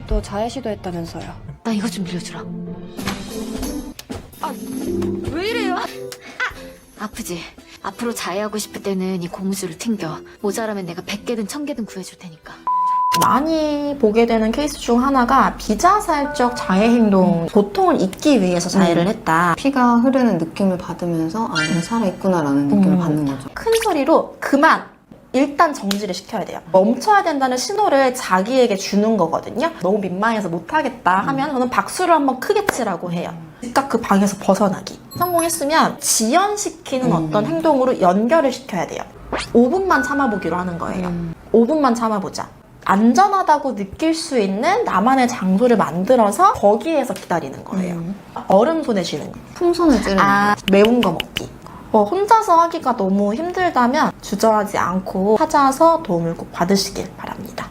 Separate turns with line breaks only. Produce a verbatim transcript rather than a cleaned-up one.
또 자해 시도했다면서요.
나 이거 좀 빌려주라. 아, 왜 이래요? 아, 아프지? 앞으로 자해하고 싶을 때는 이 고무줄을 튕겨. 모자라면 내가 백 개든 천 개든 구해줄 테니까.
많이 보게 되는 케이스 중 하나가 비자살적 자해 행동, 고통을 잊기 위해서 자해를 했다.
피가 흐르는 느낌을 받으면서 아, 내가 살아있구나라는 느낌을
음.
받는 거죠.
큰 소리로 그만! 일단 정지를 시켜야 돼요. 멈춰야 된다는 신호를 자기에게 주는 거거든요. 너무 민망해서 못하겠다 하면 저는 박수를 한번 크게 치라고 해요. 즉각 그 방에서 벗어나기. 성공했으면 지연시키는
음.
어떤 행동으로 연결을 시켜야 돼요. 오 분만 참아보기로 하는 거예요.
음.
오 분만 참아보자. 안전하다고 느낄 수 있는 나만의 장소를 만들어서 거기에서 기다리는 거예요.
음.
얼음 손에 쥐는 거.
풍선을 찌르는
아, 매운 거 먹기. 어, 혼자서 하기가 너무 힘들다면 주저하지 않고 찾아서 도움을 꼭 받으시길 바랍니다.